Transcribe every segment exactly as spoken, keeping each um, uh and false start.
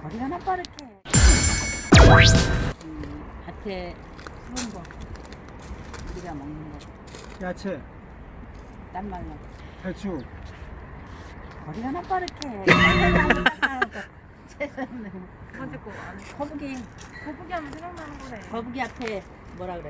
머리가 나 빠르게. 음, 밭에 푸른 거 우리가 먹는 거 야채, 딴 말로 배추. 머리가 나 빠르게. 최선을. 두 번째 거 안 해. 거북이 거북이 하면 생각나는 거네. 거북이 앞에 뭐라 그래?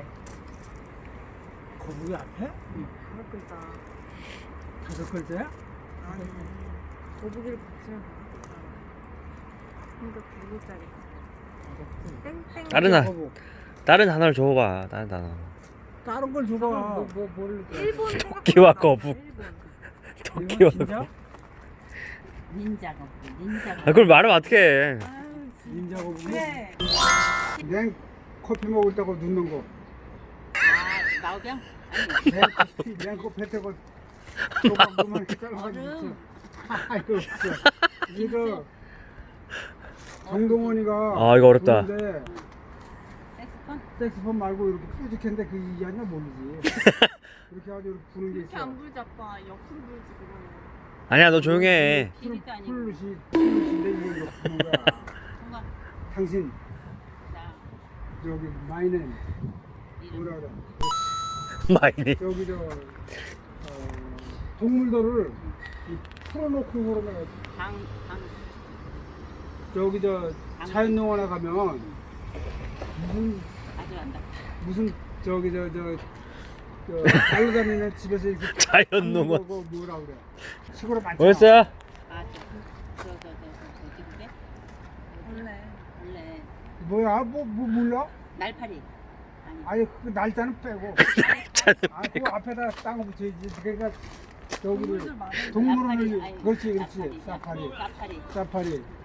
거북이 앞에? 다섯 글자. 다섯 글자야? 아니. 거북이를 붙이면 다섯 글자. 그러니까 두 글자리. 땡땡. 다른 하- 거북. 다른 단어를 줘봐. 다른 단어. 다른 걸 줘봐. 뭐, 뭐, 뭘 일본 생각. 토끼와 거북. 일본. 토끼와 진짜? 거북. 닌자 거북이 닌자 아, 거북이. 그걸 말하면 어떡해. 아유, 닌자 거북이? 그래. 냉 커피 먹을 때고 눕는 거. 아 마오병? 아니 냉 커피, 냉 커피 때고 조각만 잘라가지고. 얼음. 아이고, 진짜. 이거 정동원이가. 아, 이거 어렵다. 부르는데 색스폰? 색스폰 말고 이렇게 뾰족한데 그 이게 아니라 모르지. 이렇게 아주 이렇게 부는 게 이렇게 있어. 안 불지 아빠. 옆으로 불지 그거는. 아니야, 너 조용히 해. 피리도 아니고 플룻이 플룻인데 이게 이렇게 부는 거야. 뭔가 당신 나 저기 마이는 이름 뭐라 그래? 마이니. 여기 저 어, 동물들을 이 풀어놓고 그러면 방방 저기 저 자연농원에 가면 무슨 아주 안다. 무슨 저기 저 저 저 달려다니는 집에서 이렇게 자연농원. 그거 뭐라 그래? 시골에 많잖아. 뭐였어요? 아저저저저저 저기인데 원래. 원래 뭐야? 뭐, 뭐 몰라? 날파리 아니 아니 그 날짜는 빼고. 아, 그 앞에다 땅을 붙여야지. 그러니까 동물들 저기를 많은데. 동물원을 나파리, 아니, 그렇지 그렇지 나파리, 사파리 나파리 사파리